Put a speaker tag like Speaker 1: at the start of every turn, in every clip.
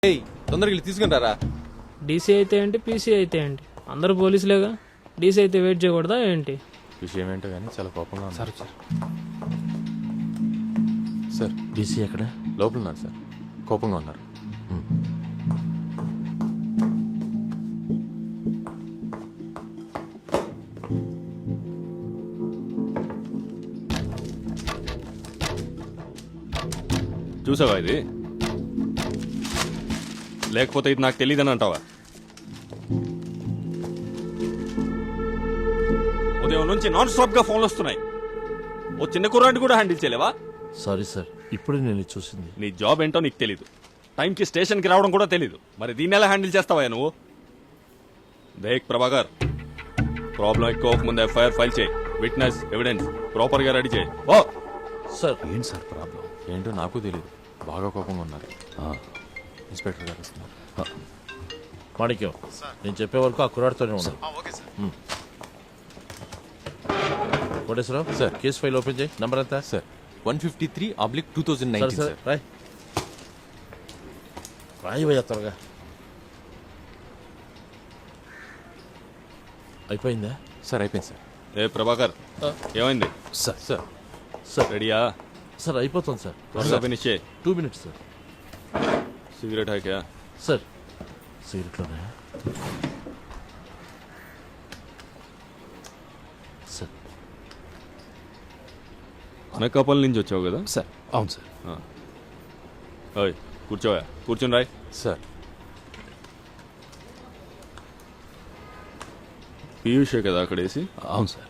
Speaker 1: ఏయ్ తొందరగా వెళ్ళి తీసుకుంటారా.
Speaker 2: డీసీ అయితే ఏంటి, పీసీ అయితే ఏంటి, అందరూ పోలీసులేగా. డీసీ అయితే వెయిట్ చేయకూడదా ఏంటి?
Speaker 1: విషయం ఏంటో కానీ చాలా కోపంగా ఉంది. సార్ సార్
Speaker 3: డీసీ ఎక్కడ?
Speaker 1: లోపల ఉన్నారు సార్, కోపంగా ఉన్నారు.
Speaker 4: చూసావా ఇది? లేకపోతే ఇది నాకు తెలియదని అంటావా? ఉదయం నుంచి నాన్ స్టాప్ గా ఫోన్లు వస్తున్నాయి. ఓ చిన్న కుర్రాడిని కూడా హ్యాండిల్ చేయలేవా?
Speaker 3: సారీ సార్, ఇప్పుడే నేను చూసింది.
Speaker 4: నీ జాబ్ ఏంటో నీకు తెలీదు, టైంకి స్టేషన్కి రావడం కూడా తెలీదు. మరి దీన్ని ఎలా హ్యాండిల్ చేస్తావా నువ్వు? దేక్ ప్రభాకర్, ప్రాబ్లం ఎక్కువ ముందు ఎఫ్ఐఆర్ ఫైల్ చేయి. విట్నెస్ ఎవిడెన్స్ ప్రాపర్ గా రెడీ చేయి. ఓ
Speaker 3: సార్ ఏంటి సార్ ప్రాబ్లం?
Speaker 1: ఏంటో నాకు తెలియదు, బాగా కోపంగా ఉన్నారు. ఇన్స్పెక్టర్ గారు వస్తున్నారు.
Speaker 3: మాణిక్యం, నేను చెప్పే వరకు ఆ కుర్రాడితోనే ఉన్నాను. Koteswararao
Speaker 1: sir.
Speaker 3: Case file open చేయి. నంబర్ ఎంత?
Speaker 1: Sir 153/2019 sir.
Speaker 3: రాయ్ రాయవయ్యా త్వరగా. అయిపోయిందా?
Speaker 1: సార్ అయిపోయింది సార్.
Speaker 4: ఏ ప్రభాకర్, ఏమైంది?
Speaker 1: సార్ సార్
Speaker 3: సార్
Speaker 4: రెడీయా?
Speaker 3: సార్ అయిపోతుంది సార్.
Speaker 4: త్వరగా ఫినిష్ చేయి.
Speaker 3: 2 minutes సార్.
Speaker 4: సిగరెట్ హాకా?
Speaker 3: సార్ సిగరెట్లోనే సార్.
Speaker 4: అనకాపల్లి నుంచి వచ్చావు కదా?
Speaker 1: సార్ అవును సార్.
Speaker 4: ఓయ్ కూర్చోవా, కూర్చొని రాయ్.
Speaker 1: సార్
Speaker 4: పీయూషే కదా అక్కడ వేసి?
Speaker 1: అవును sir.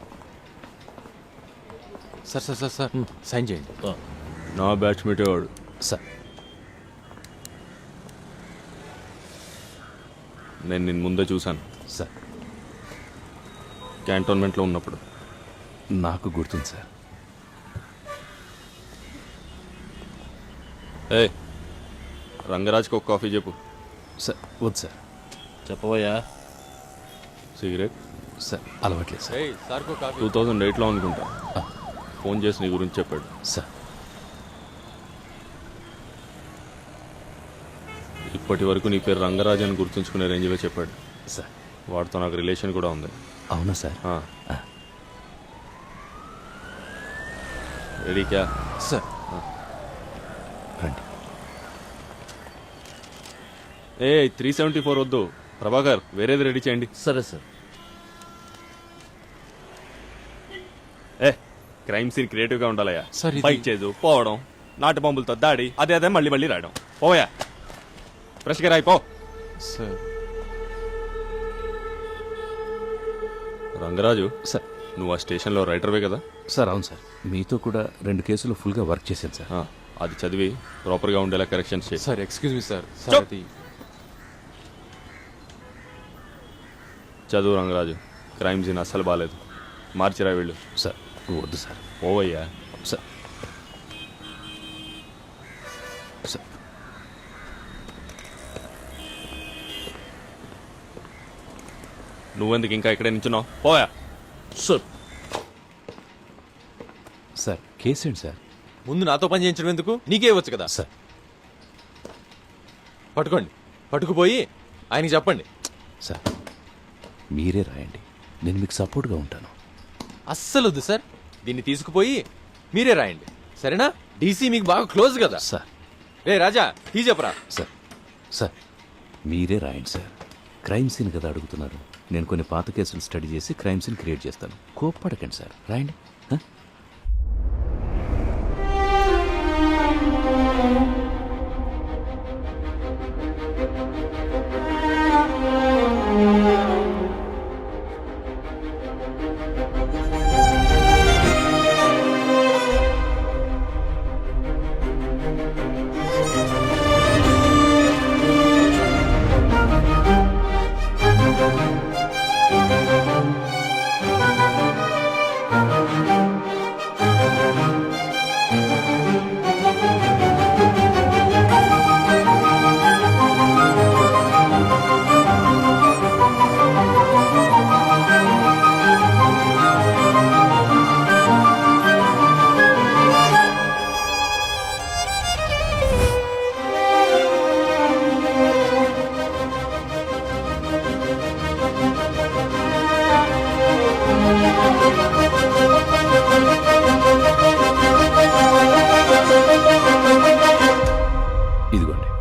Speaker 1: Sir sir sir sir sign చేయండి.
Speaker 4: నా బ్యాచ్మేటే వాడు.
Speaker 1: సార్
Speaker 4: నేను నిన్ను ముందే చూశాను,
Speaker 1: సార్
Speaker 4: క్యాంటోన్మెంట్లో ఉన్నప్పుడు.
Speaker 1: నాకు గుర్తుంది సార్.
Speaker 4: ఏ రంగరాజ్కి ఒక కాఫీ చెప్పు.
Speaker 1: సార్ వద్దు సార్.
Speaker 3: చెప్పబోయా?
Speaker 4: సిగరెట్
Speaker 1: సార్ అలవాట్లేదు సార్. సార్
Speaker 4: 2008లో అనుకుంటా ఫోన్ చేసి నీ గురించి చెప్పాడు.
Speaker 1: సార్
Speaker 4: ఇప్పటి వరకు నీ పేరు రంగరాజ్ అని గుర్తుంచుకునే రేంజ్లో చెప్పాడు.
Speaker 1: సార్
Speaker 4: వాడితో నాకు రిలేషన్ కూడా ఉంది.
Speaker 1: అవునా సార్?
Speaker 4: రెడీ క్యా?
Speaker 1: సార్ రండి.
Speaker 4: ఏ 374 వద్దు ప్రభాకర్, వేరేది రెడీ చేయండి.
Speaker 3: సరే సార్.
Speaker 4: ఏ క్రైమ్ సీన్ క్రియేటివ్గా ఉండాలయ్యా.
Speaker 1: సార్, ఇది-
Speaker 4: బైక్ చేదు పోవడం, నాటు బాంబులతో దాడి, అదే మళ్ళీ మళ్ళీ రాయడం. పోయా ఫ్రెష్గా రాయిపో.
Speaker 1: సార్
Speaker 4: రంగరాజు,
Speaker 5: సార్
Speaker 4: నువ్వు ఆ స్టేషన్లో రైటర్వే కదా?
Speaker 5: సార్ అవును సార్, మీతో కూడా 2 కేసులు ఫుల్గా వర్క్ చేశాను సార్.
Speaker 4: అది చదివి ప్రాపర్గా ఉండేలా కరెక్షన్స్ చేయి.
Speaker 1: Sir excuse me sir.
Speaker 4: Stop.
Speaker 1: Sir అది
Speaker 4: చదువు రంగరాజు, క్రైమ్ సీన్ అస్సలు బాగాలేదు. మార్చిరా వీళ్ళు.
Speaker 5: సార్ వద్దు సార్.
Speaker 4: ఓవయ్యా.
Speaker 5: సార్ సార్
Speaker 4: నువ్వెందుకు ఇంకా ఇక్కడే నించున్నావు? పోయా.
Speaker 3: సార్
Speaker 5: సార్ కేసు ఏంటి సార్?
Speaker 1: ముందు నాతో పని చేయించడం ఎందుకు? నీకే ఇవ్వచ్చు కదా.
Speaker 5: సార్
Speaker 1: పట్టుకోండి, పట్టుకుపోయి ఆయనకి చెప్పండి.
Speaker 5: సార్ మీరే రాయండి, నేను మీకు సపోర్ట్గా ఉంటాను.
Speaker 1: అస్సలు వద్దు సార్, దీన్ని తీసుకుపోయి మీరే రాయండి సరేనా? డీసీ మీకు బాగా క్లోజ్ కదా.
Speaker 5: సార్
Speaker 1: రే రాజా టీ చెప్పరా.
Speaker 5: సార్ సార్ మీరే రాయండి సార్. క్రైమ్ సీన్ కదా అడుగుతున్నారు. నేను కొన్ని పాత కేసులు స్టడీ చేసి క్రైమ్ సీన్ క్రియేట్ చేస్తాను. కోప్పడకండి సార్, రాయండి.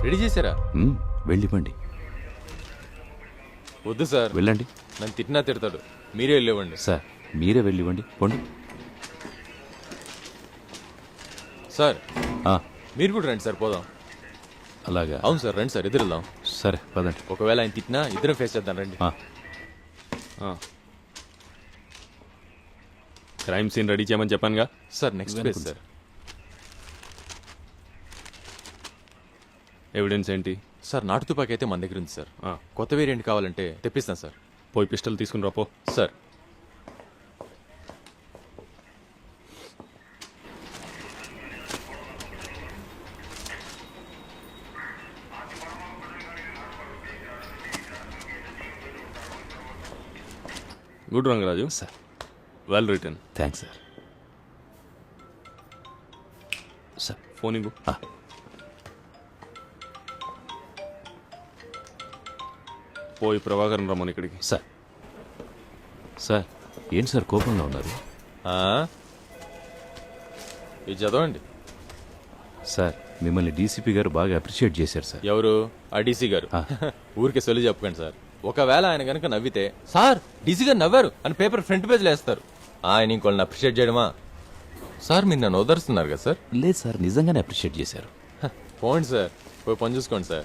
Speaker 1: రెడీ చేశారా?
Speaker 5: వెళ్ళివ్వండి.
Speaker 1: వద్దు సార్,
Speaker 5: వెళ్ళండి.
Speaker 1: నన్ను తిట్టినా తిడతాడు. మీరే వెళ్ళివ్వండి.
Speaker 5: సార్ మీరే వెళ్ళివ్వండి. పోండి.
Speaker 1: సార్
Speaker 5: ఆ,
Speaker 1: మీరు కూడా రండి సార్, పోదాం.
Speaker 5: అలాగా.
Speaker 1: అవును సార్, రండి సార్, ఎదురు వెళ్దాం.
Speaker 5: సరే పదండి.
Speaker 1: ఒకవేళ ఆయన తిట్టినా ఇద్దరం ఫేస్ చేద్దాం, రండి.
Speaker 4: క్రైమ్ సీన్ రెడీ చేయమని చెప్పానుగా.
Speaker 1: Sir next page sir.
Speaker 4: Evidence ఏంటి?
Speaker 1: సార్ నాటు తుపాకీ అయితే మన దగ్గర ఉంది సార్.
Speaker 4: ఆ.
Speaker 1: కొత్త వేరియంట్ కావాలంటే తెప్పిస్తాను సార్.
Speaker 4: పోయి పిస్టల్ తీసుకుని రాపో.
Speaker 1: Sir
Speaker 4: good Rangaraju.
Speaker 5: Sir
Speaker 4: well return.
Speaker 5: Thanks sir. Sir
Speaker 4: phone ఇవ్వు. పోయి ప్రభాకరన్ రమ్మని ఇక్కడికి.
Speaker 5: సార్ సార్ ఏంటి సార్ కోపంగా ఉన్నారు?
Speaker 1: ఆ? ఇది చదవండి.
Speaker 5: సార్ మిమ్మల్ని డీసీపీ గారు బాగా అప్రిషియేట్ చేశారు సార్.
Speaker 1: ఎవరు? ఆ డీసీ గారు.
Speaker 5: ఆ.
Speaker 1: ఊరికే సొల్లు చెప్పకండి సార్. ఒకవేళ ఆయన గనక నవ్వితే సార్ డీసీ గారు నవ్వారు అని పేపర్ ఫ్రంట్ పేజ్ వేస్తారు. ఆయన ఇంకోళ్ళని అప్రిషియేట్ చేయడమా? సార్ మీరు నన్ను ఓదరుస్తున్నారు కదా సార్.
Speaker 5: లేదు సార్, నిజంగానే అప్రిషియేట్ చేశారు.
Speaker 1: పోండి సార్, పోయి పని చూసుకోండి సార్.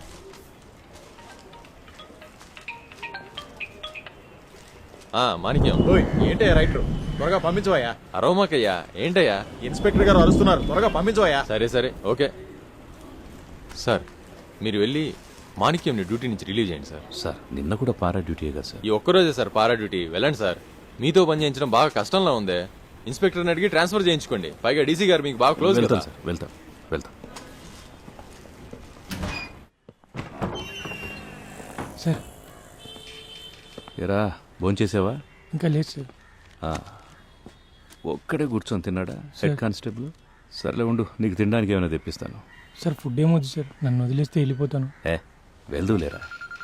Speaker 1: మాణిక్యం.
Speaker 6: ఏంటయ్యా రైటర్, త్వరగా పంపించవయ్యా.
Speaker 1: అరోమాకయ్యా, ఏంటయ్యా?
Speaker 6: ఇన్స్పెక్టర్ గారు అరుస్తున్నారు, త్వరగా పంపించవయ్యా.
Speaker 1: సరే సరే, ఓకే సార్. మీరు వెళ్ళి మాణిక్యంని డ్యూటీ నుంచి రిలీవ్ చేయండి సార్.
Speaker 5: సార్ నిన్న కూడా పారా డ్యూటీ కదా సార్.
Speaker 1: ఈ ఒక్కరోజే సార్ పారా డ్యూటీ. వెళ్ళండి సార్. మీతో పని చేయించడం బాగా కష్టంలా ఉందే. ఇన్స్పెక్టర్ని అడిగి ట్రాన్స్ఫర్ చేయించుకోండి. పైగా డీసీ గారు మీకు బాగా క్లోజ్
Speaker 5: వెళ్తాం
Speaker 1: కదా.
Speaker 5: సార్, వెళ్తాం వెళ్తాం.
Speaker 7: సార్
Speaker 5: ఎరా భోంచేసావా?
Speaker 7: ఇంకా లేదు సార్.
Speaker 5: ఒక్కడే కూర్చొని తిన్నాడా హెడ్ కానిస్టేబుల్? సర్లే ఉండు, నీకు తినడానికి ఏమైనా తెప్పిస్తాను.
Speaker 7: సార్ ఫుడ్ ఏమొద్దు సార్, నన్ను వదిలేస్తే వెళ్ళిపోతాను.
Speaker 5: వెళ్దూలేరా.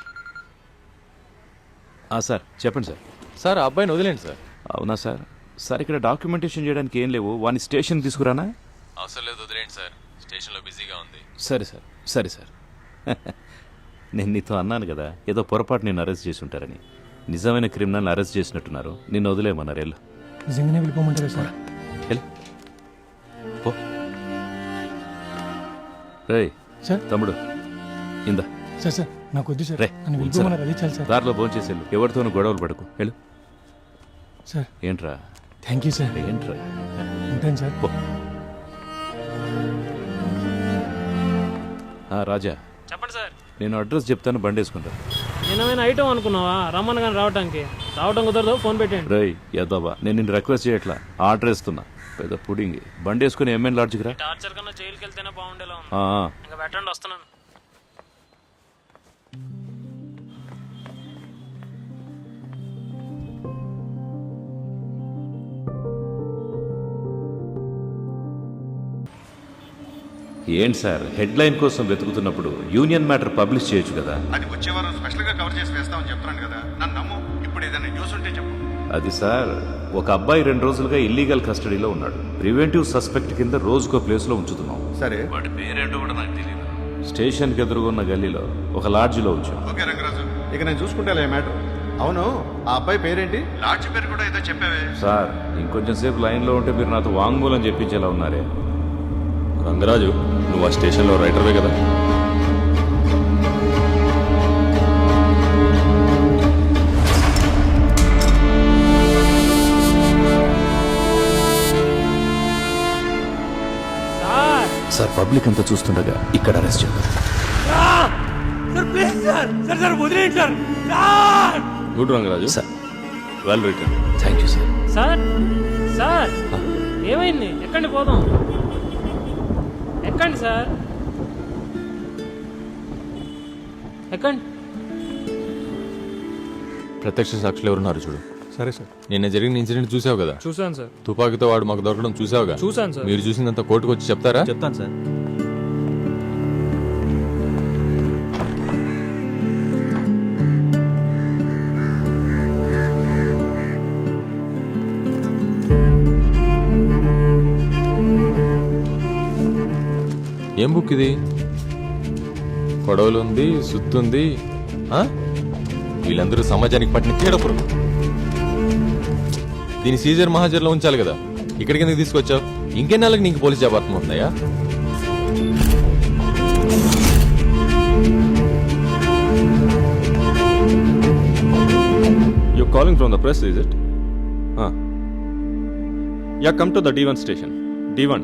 Speaker 5: సార్ చెప్పండి సార్.
Speaker 1: సార్ ఆ అబ్బాయిని వదిలేండి సార్.
Speaker 5: అవునా సార్? సార్ ఇక్కడ డాక్యుమెంటేషన్ చేయడానికి ఏం లేవు, వాని స్టేషన్ తీసుకురానా?
Speaker 1: అవసరం లేదు, వదిలేండి సార్. స్టేషన్లో బిజీగా ఉంది.
Speaker 5: సరే సార్, సరే సార్. నేను నీతో అన్నాను కదా, ఏదో పొరపాటు నేను అరెస్ట్ చేసి ఉంటారని. నిజమైన క్రిమినల్ని అరెస్ట్ చేసినట్టున్నారు. నిన్ను వదిలేమన్నారు. వెళ్ళు
Speaker 7: నిజంగానే వెళ్ళిపోమంటారా సార్?
Speaker 5: వెళ్ళు పో. రేయ్
Speaker 7: సార్
Speaker 5: తమ్ముడు ఇందా.
Speaker 7: సార్ సార్ నాకు వద్దు సార్,
Speaker 5: రే
Speaker 7: నన్ను వెళ్ళిపోమన్నారు, అది చాలు సార్.
Speaker 5: దారిలో భోంచేసేళ్ళు, ఎవరితోనూ గొడవలు పడకు. వెళ్ళు.
Speaker 7: సార్
Speaker 5: ఏంట్రా?
Speaker 7: Thank you sir.
Speaker 5: ఏంట్రా?
Speaker 7: ఉంటాను సార్.
Speaker 5: పో. రాజా
Speaker 2: చెప్పండి సార్.
Speaker 5: నేను అడ్రస్ చెప్తాను, బండి వేసుకుంటా.
Speaker 2: నేనేమైనా ఐటమ్ అనుకున్నావా రమ్మని కానీ రావటానికి? రావటం కుదరదు, ఫోన్ పెట్టండి.
Speaker 5: రేయ్ యదవా, నేను నిన్ను రిక్వెస్ట్ చేయట్లా, ఆర్డర్ ఇస్తున్నా. పెద్ద పుడింగ్. బండి వేసుకుని ఎంఎన్ లాడ్జ్కి రా.
Speaker 2: టార్చర్ కన్నా జైలుకి వెళ్తేనే బాగుండేలా ఉంది.
Speaker 5: ఆ,
Speaker 2: ఇంకా పెట్టండి, వస్తున్నాను.
Speaker 5: ఏంటి సార్ హెడ్లైన్ కోసం వెతుకుతున్నప్పుడు యూనియన్ మ్యాటర్ పబ్లిష్ చేయొచ్చు కదా?
Speaker 8: అది వచ్చే వారం స్పెషల్ గా కవర్ చేసి వేస్తామని చెప్తున్నాను కదా, నన్ను నమ్ము. ఇప్పుడు ఏదైనా న్యూస్ ఉంటే చెప్పు.
Speaker 5: అది సార్, ఒక అబ్బాయి 2 రోజులుగా ఇల్లీగల్ కస్టడీలో ఉన్నాడు. ప్రివెంటివ్ సస్పెక్ట్ కింద రోజుకో ప్లేస్లో ఉంచుతున్నాం.
Speaker 8: సరే,
Speaker 5: వాడి పేరేంటో కూడా నాకు తెలియదు. స్టేషన్కి ఎదురుగున్న గల్లీలో ఒక లాడ్జిలో ఉంచాం.
Speaker 8: ఓకే రంగరాజు, ఇక నేను చూసుకుంటా మ్యాటర్. అవును, ఆ అబ్బాయి పేరేంటి? లాడ్జ్ పేరు కూడా ఏదో చెప్పావే.
Speaker 5: సార్ ఇంకొంచెం సేపు లైన్లో ఉంటే మీరు నాతో వాంగ్మూలం చెప్పించేలా ఉన్నారే.
Speaker 4: రంగరాజు, నువ్వు ఆ స్టేషన్లో రైటర్వే కదా?
Speaker 5: సార్ పబ్లిక్ అంతా చూస్తుండగా ఇక్కడ అరెస్ట్ చేద్దాం.
Speaker 4: Good Rangaraju.
Speaker 5: Sir
Speaker 4: well return.
Speaker 5: Thank you sir.
Speaker 2: Sir sir ఏమైంది? ఎక్కండి, పోదాం. ఎక్కండి సార్, ఎక్కండి.
Speaker 1: ప్రత్యక్ష సాక్షులు ఎవరున్నారు చూడు.
Speaker 6: సరే సార్.
Speaker 1: నిన్న జరిగిన ఇన్సిడెంట్ చూసావు కదా?
Speaker 2: చూసాను సార్.
Speaker 1: తుపాకీతో వాడు మాకు దొరకడం చూసావుగా?
Speaker 2: చూసాను సార్.
Speaker 1: మీరు చూసినంత కోర్టుకు వచ్చి చెప్తారా?
Speaker 6: చెప్తాను సార్.
Speaker 1: ఏం బుక్ ఇది? కొడవలుంది సుత్తుంది ఆ? వీళ్ళందరూ సమాజానికి పట్టిన చీడపురుగు. దీని సీజర్ మహాజర్లో ఉంచాలి కదా, ఇక్కడికి ఎందుకు తీసుకొచ్చావు? ఇంకెన్నాళ్ళకి నీకు పోలీస్ జాబ్ అర్థమవుతుందయ్యా?
Speaker 4: You calling from the press, is it? Yeah, come to the D1 station. D1.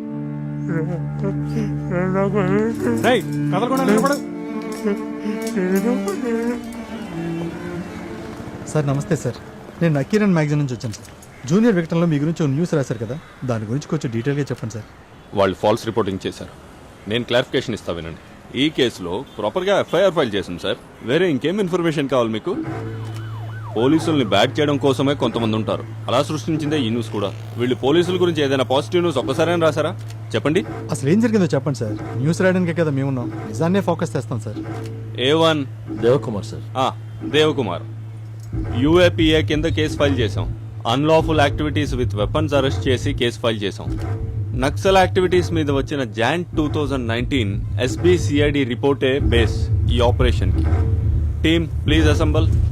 Speaker 6: కదలకుండా నిలబడు.
Speaker 9: సార్ నమస్తే సార్, నేను నకీరన్ మ్యాగజైన్ నుంచి వచ్చాను సార్. జూనియర్ వికటంలో మీ గురించి న్యూస్ రాశారు కదా, దాని గురించి కొంచెం డీటెయిల్గా చెప్పండి సార్.
Speaker 4: వాళ్ళు ఫాల్స్ రిపోర్టింగ్ చేశారు. నేను క్లారిఫికేషన్ ఇస్తా వినండి. ఈ కేసులో ప్రాపర్గా ఎఫ్ఐఆర్ ఫైల్ చేసింది సార్. వేరే ఇంకేం ఇన్ఫర్మేషన్ కావాలి మీకు? పోలీసుల్ని బ్యాట్ చేయడం కోసమే కొంతమంది ఉంటారు. అలా సృష్టించిందే ఈ న్యూస్ కూడా. వీళ్ళు పోలీసుల గురించి ఏదైనా పాజిటివ్ న్యూస్ ఒక్కసారైనా రాశారా? చెప్పండి.
Speaker 9: అసలు ఏం జరిగిందో చెప్పండి సార్. న్యూస్ రాయడానికే కదా మేమున్నాం, నిజాన్నే ఫోకస్ చేస్తాం sir.
Speaker 4: A1
Speaker 3: Devakumar sir.
Speaker 4: Devakumar, UAPA కింద కేసు ఫైల్ చేశాం. Unlawful activities with weapons arrest చేసి కేసు ఫైల్ చేశాం. నక్సల్ యాక్టివిటీస్ మీద వచ్చిన Jan 2019 SBCID రిపోర్టే బేస్ ఈ ఆపరేషన్ కి. Team please అసెంబల్.